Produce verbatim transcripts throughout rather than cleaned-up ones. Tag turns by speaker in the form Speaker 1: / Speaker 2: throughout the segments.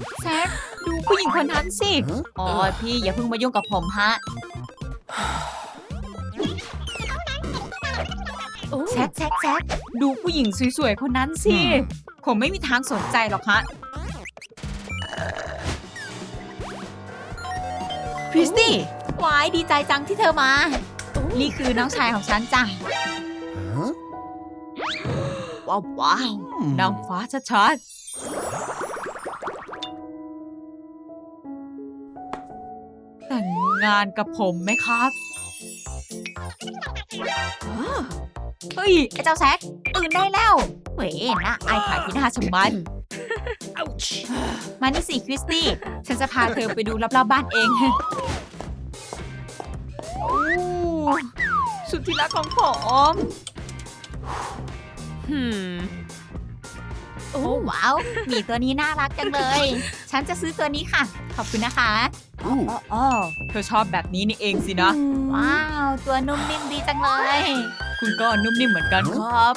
Speaker 1: แซคดูผู้หญิงคนนั้นสิอ๋อพี่อย่าเพิ่งมายุ่งกับผมฮะแซคแซคแซคดูผู้หญิงสวยๆคนนั้นสิผมไม่มีทางสนใจหรอกฮะคริสตี้วายดีใจจังที่เธอมานี่คือน้องชายของฉันจ้ะว้าวว้าวนางฟ้าชัดๆแต่งงานกับผมไหมครับเฮ้ยไอ้เจ้าแซคตื่นได้แล้วเว้ยนะไอ้ขายที่หน้าชะมันมานี่สิคริสตี้ฉันจะพาเธอไปดูรอบๆบ้านเองโอ้สุดที่รักของผมฮึมโอ้ว้าวหมีตัวนี้น่ารักจังเลยฉันจะซื้อตัวนี้ค่ะขอบคุณนะคะอ๋ออ๋อเธอชอบแบบนี้นี่เองสินะว้าวตัวนุ่มนิ่มดีจังเลยคุณก็นุ่มนิ่มเหมือนกันครับ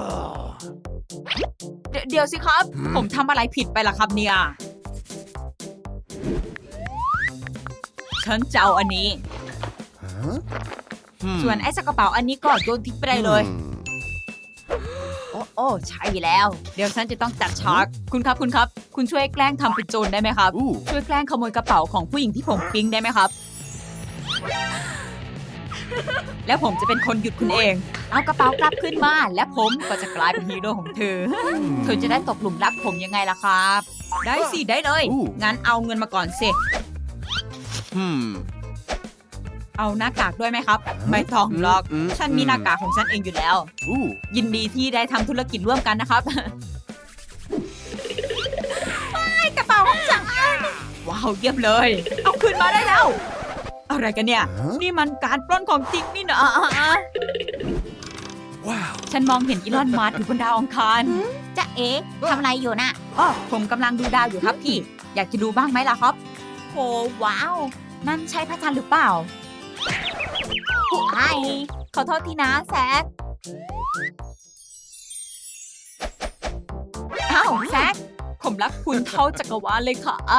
Speaker 1: เดี๋ยวเดี๋ยวสิครับผมทำอะไรผิดไปล่ะครับเนี่ยฉันจะเอาอันนี้ส่วนไอ้กระเป๋าอันนี้ก็โยนทิ้งไปได้เลยโอ้โอ้ใช่แล้ว เดี๋ยวฉันจะต้องจัดฉากคุณครับคุณครับคุณช่วยแกล้งทำเป็นโจรได้ไหมครับช่วยแกล้งขโมยกระเป๋าของผู้หญิงที่ผมปิ๊งได้ไหมครับแล้วผมจะเป็นคนหยุดคุณเองเอากระเป๋ากลับขึ้นมาและผมก็จะกลายเป็นฮีโร่ของเธอเธอจะได้ตกหลุมรักผมยังไงล่ะครับได้สิได้เลยงั้นเอาเงินมาก่อนสิเอาหน้ากากด้วยไหมครับไม่ต้องหรอกฉันมีหน้ากากของฉันเองอยู่แล้วยินดีที่ได้ทำธุรกิจร่วมกันนะครับไม่กระเป๋าของฉันว้าวเยี่ยมเลยเอาคืนมาได้แล้วอะไรกันเนี่ยนี่มันการปล้นของจริงนี่นะว้าวฉันมองเห็นอีลอนมัสก์อยู่บนดาวอังคารจ๊ะเอ๊ะทำอะไรอยู่น่ะอ๋อผมกำลังดูดาวอยู่ครับพี่อยากจะดูบ้างไหมล่ะครับโอ้ว้าวนั่นใช่พระจันทร์หรือเปล่าไอ้ขอโทษทีนะแซคอ้าวแซคผมรักคุณเท่าจักรวาลเลยครับ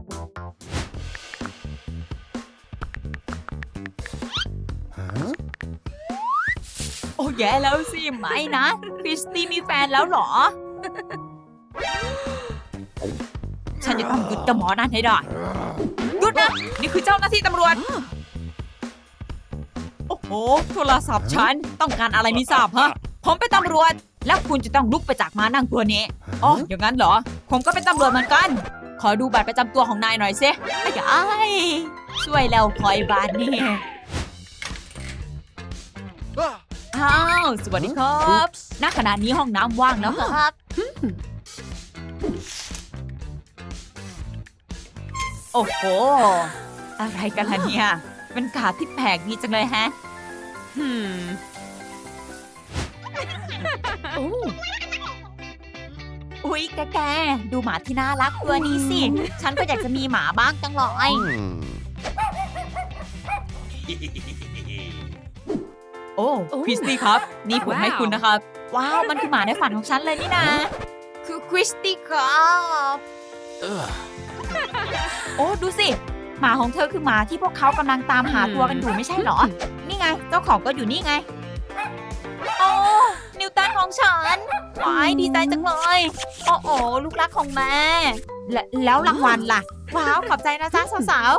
Speaker 1: โอ้แย่แล้วสิไม่นะคริสตี้มีแฟนแล้วเหรอฉันจะต้องหยุดเจ้าหมอนั่นให้ได้หยุดนะนี่คือเจ้าหน้าที่ตำรวจโอ้โหโทรศัพท์ฉันต้องการอะไรไม่ทราบฮะผมเป็นตำรวจแล้วคุณจะต้องลุกไปจากม้านั่งตัวนี้อ๋ออย่างนั้นเหรอผมก็เป็นตำรวจเหมือนกันขอดูบัตรประจำตัวของนายหน่อยสิไอ้ยายช่วยแล้วพลอยบานนี่อ้าวสวัสดีครับณขณะนี้ห้องน้ำว่างแล้วครับโอ้โหอะไรกันล่ะเนี่ยเป็นการ์ดที่แปลกดีจังเลยฮะฮึมอุ๊ยแกแกดูหมาที่น่ารักตัวนี้สิฉันก็อยากจะมีหมาบ้างจังเลยโอ้คริสตี้ครับนี่ผมให้คุณนะครับว้าวมันคือหมาในฝันของฉันเลยนี่นะคือคริสตี้ครับโอ้ดูสิหมาของเธอคือหมาที่พวกเขากำลังตามหาตัวกันอยู่ไม่ใช่เหรอนี่ไงเจ้าของก็อยู่นี่ไงโอ้นิวตันของฉันว้ายดีใจจังเลยโอ้โอ้ลูกรักของแม่และแล้วรางวัลล่ะว้าวขอบใจนะจ๊ะสาว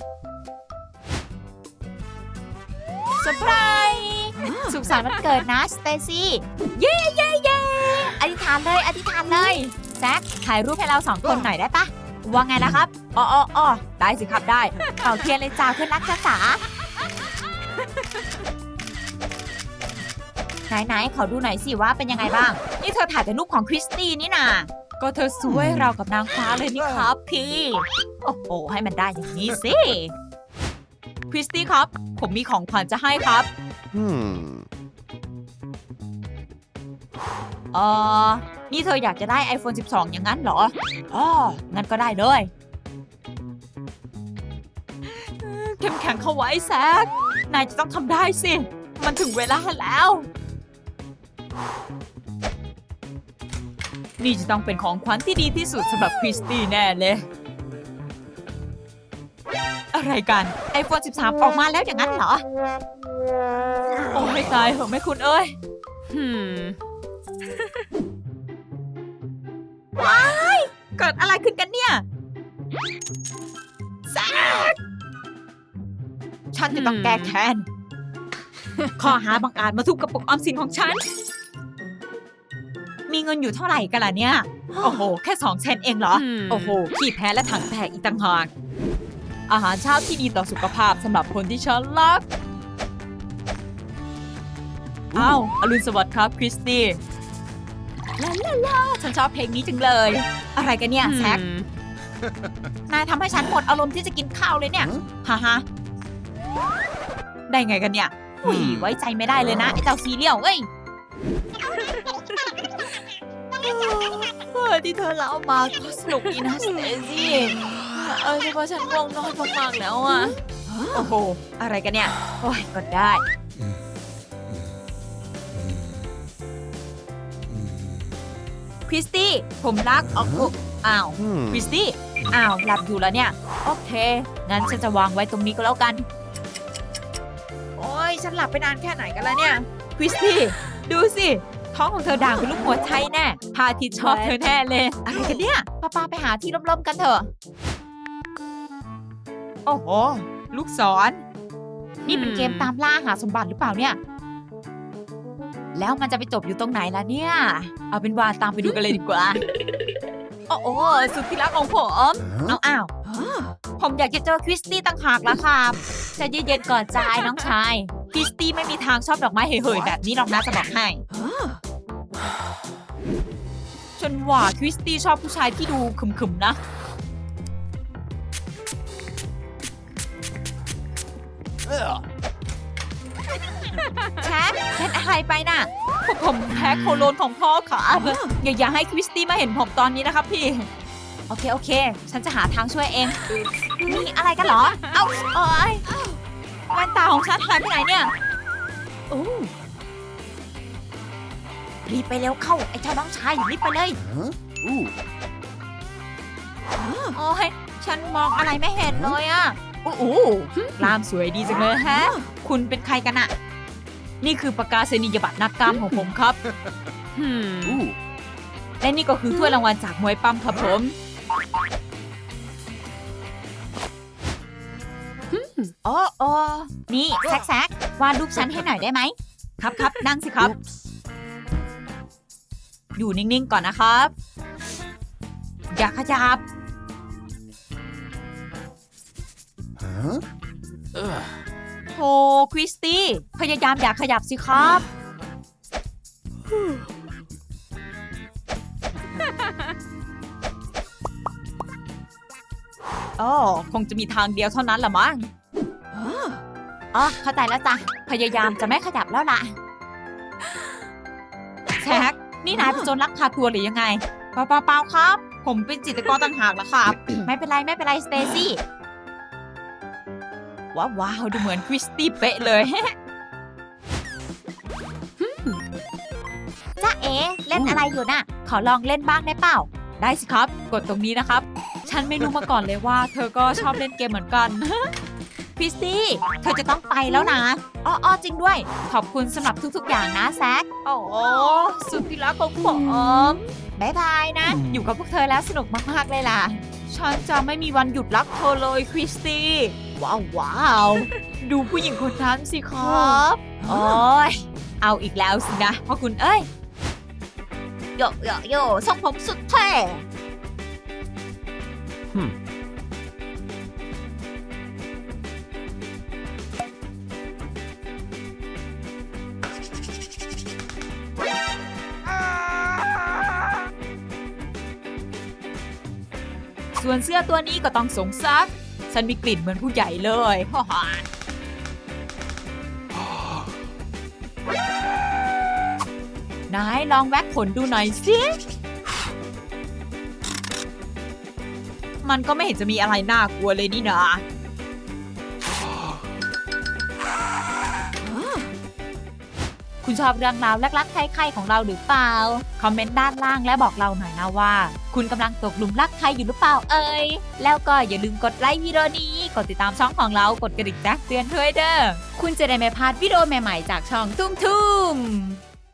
Speaker 1: ๆเซอร์ไพรส์สุขสันต์วันเกิดนะสเตซี่เย้เย้เย้อธิษฐานเลยอธิษฐานเลยแซคถ่ายรูปให้เราสองคนหน่อยได้ปะว่าไงล่ะครับอ๋ออ๋อได้สิครับได้เป่าเทียนเลยจ้าเพื่อนรักจ้าจ๋าไหนๆขอดูหน่อยสิว่าเป็นยังไงบ้างนี่เธอถ่ายแต่รูปของคริสตี้นี่นาก็เธอสวยเรากับนางฟ้าเลยนี่ครับพี่โอ้โหให้มันได้อย่างนี้สิคริสตี้ครับผมมีของขวัญจะให้ครับเออนี่เธออยากจะได้ ไอโฟน สิบสอง อย่างนั้นเหรออ๋องั้นก็ได้เลยเข้มแข็งเข้าไว้แซคนายจะต้องทำได้สิมันถึงเวลาแล้วนี่จะต้องเป็นของขวัญที่ดีที่สุดสำหรับคริสตี้แน่เลย อะไรกัน ไอโฟน สิบสาม ออกมาแล้วอย่างนั้นเหรอ โอ้ไม่ตายเหรอแม่คุณเอ้ย
Speaker 2: หืม
Speaker 1: ว้ายเกิดอะไรขึ้นกันเนี่ยแซกฉันจะต้องแก้แค้น ข้อหาบังอาจมาทุบกระปุกออมสินของฉัน มีเงินอยู่เท่าไหร่กันล่ะเนี่ย โอ้โห แค่สองเซนเองเหรอ โอ้โห ขี้แพ้และถังแตกอีกต่างหาก อาหารเช้าที่ดีต่อสุขภาพสำหรับคนที่ฉันรัก อ้าวอรุณสวัสดิ์ครับคริสตี้ลาลาลาฉันชอบเพลงนี้จังเลย อะไรกันเนี่ยแซค นายทำให้ฉันหมดอารมณ์ที่จะกินข้าวเลยเนี่ยฮ่าฮะได้ไงกันเนี่ยอุ้ยไว้ใจไม่ได้เลยนะไอ้เจ้าซีเรียลเอ้ยเออที่เธอเล่ามาก็สนุกดีนะสเตซี่เออแต่ว่าฉันง่วงนอนมากๆแล้วอ่ะโอ้โหอะไรกันเนี่ยโอ้ยก็ได้คริสตี้ผมรักออกกุอ้าวคริสตี้อ้าวหลับอยู่แล้วเนี่ยโอเคงั้นฉันจะวางไว้ตรงนี้ก็แล้วกันโอ้ยฉันหลับไปนานแค่ไหนกันแล้วเนี่ยคริสตี้ดูสิท้องของเธอด่างเป็นลูกหัวใจแน่พาทิตชอบเธอแน่เลยอะไรกันเนี่ยป้าป้าไปหาที่ร่มๆกันเถอะโอ้โหลูกศรนี่เป็นเกมตามล่าหาสมบัติหรือเปล่าเนี่ยแล้วมันจะไปจบอยู่ตรงไหนล่ะเนี่ยเอาเป็นว่าตามไปดูกันเลยดีกว่าโอ้โหสุดที่รักของผมเอาอ้าวผมอยากจะเจอคริสตี้ต่างหากละครับใจเย็นๆก่อนใจน้องชายคริสตี้ไม่มีทางชอบดอกไม้เห่ยๆแบบนี้หรอกนะจะบอกให้ฉันว่าคริสตี้ชอบผู้ชายที่ดูขึมๆนะแชทเป็นอะไรไปน่ะพวกผมแพ้โคโลนของพ่อค่ะอย่าอย่าให้คริสตี้มาเห็นผมตอนนี้นะครับพี่โอเคโอเคฉันจะหาทางช่วยเองนี่อะไรกันเหรอเอ้าโอ๊ยแว่นตาของฉันหายไปไหนเนี่ยโอ้รีบไปเร็วเข้าไอ้เจ้าน้องชายรีบไปเลยโอ้ยฉันมองอะไรไม่เห็นเลยอะโอ้โหกล้ามสวยดีจังเลยฮะคุณเป็นใครกันอะนี่คือประกาศนียบัตรนักกล้ามของผมครับและนี่ก็คือถ้วยรางวัลจากมวยปั้มครับผมโอ้โอ้นี่แซกแซกวาดรูปฉันให้หน่อยได้ไหมครับครับนั่งสิครับอยู่นิ่งๆก่อนนะครับอย่าขยับโธ่คริสตี้พยายามอย่าขยับสิครับอ๋อคงจะมีทางเดียวเท่านั้นละมั้งอ๋อเข้าใจแล้วจ้ะพยายามจะไม่ขยับแล้วล่ะแท็กนี่นายเป็นโจรลักพาตัวหรือยังไงเปล่าเปล่าครับผมเป็นจิตรกรต่างหากล่ะครับ ไม่เป็นไรไม่เป็นไรสเตซี่ว้าวว้าวดูเหมือนคริสตี้เป๊ะเลยจ้าเอ๋เล่นอะไรอยู่น่ะขอลองเล่นบ้างได้เปล่าได้สิครับกดตรงนี้นะครับฉันไม่รู้มาก่อนเลยว่าเธอก็ชอบเล่นเกมเหมือนกันคริสตี้เธอจะต้องไปแล้วนะอ้อจริงด้วยขอบคุณสำหรับทุกๆอย่างนะแซคโอ้สุดที่รักของผมบ๊ายบายนะอยู่กับพวกเธอแล้วสนุกมากๆเลยล่ะฉันจะไม่มีวันหยุดรักเธอเลยคริสตี้ว้าวว้าวดูผู้หญิงคนนั้นสิครับโอ้ยเอาอีกแล้วสินะพ่อคุณเอ้ยโยโยโยทรงผมสุดเท่ส่วนเสื้อตัวนี้ก็ต้องสงซักฉันมีกลิ่นเหมือนผู้ใหญ่เลยฮ่าฮ่านายลองแว็กขนดูหน่อยสิมันก็ไม่เห็นจะมีอะไรน่ากลัวเลยนี่นะคุณชอบเรื่องราวลักๆใครๆของเราหรือเปล่าคอมเมนต์ด้านล่างและบอกเราหน่อยนะว่า คุณกำลังตกหลุมรักใครอยู่หรือเปล่าเอ่ยแล้วก็อย่าลืมกดไลค์วิดีโอนี้กดติดตามช่องของเรากดกระดิ่งแจ้งเตือนด้วยเด้อคุณจะได้ไม่พลาดวิดีโอใหม่ๆจากช่องตุ้มทุ่ม